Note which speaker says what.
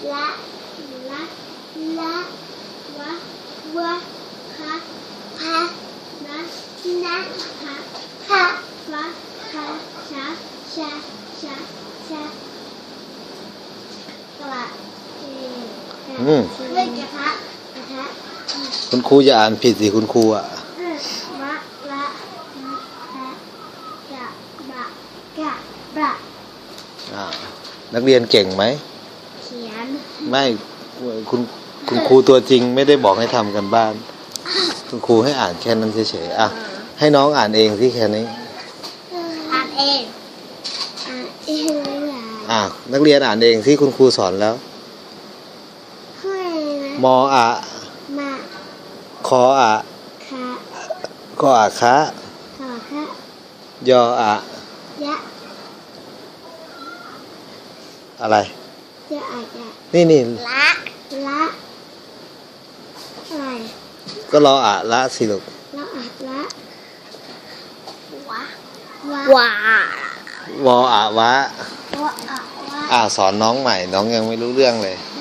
Speaker 1: ละละละวะวะคะพะนะนะพะพะวะคะชะชะชะชะกระไม่กระทะกระทะ
Speaker 2: คุณครูอย่าอ่านผิดสิคุณครูอ่ะ
Speaker 1: มะละมะละกะบะกะบะ
Speaker 2: นักเรียนเก่งไหม
Speaker 1: เขียน
Speaker 2: ไม่คุณครูตัวจริงไม่ได้บอกให้ทำกันบ้านคุณครูให้อ่านแค่นั้นเฉยๆอ่ะให้น้องอ่านเองที่แค่นี้
Speaker 1: อ่านเอง
Speaker 2: นักเรียนอ่านเองที่คุณครูสอนแล้วมออะ
Speaker 1: มา
Speaker 2: คออะ
Speaker 1: คะ
Speaker 2: กออะคะ
Speaker 1: ขอคะ
Speaker 2: ยออะ
Speaker 1: ยะ
Speaker 2: อะไร
Speaker 1: ยะอะยะ
Speaker 2: นี่
Speaker 1: ละอะไร
Speaker 2: ก็รออะละสิลูก
Speaker 1: ละอะละวะ
Speaker 2: วออะวะ
Speaker 1: วะอะวะ
Speaker 2: สอนน้องใหม่น้องยังไม่รู้เรื่องเลย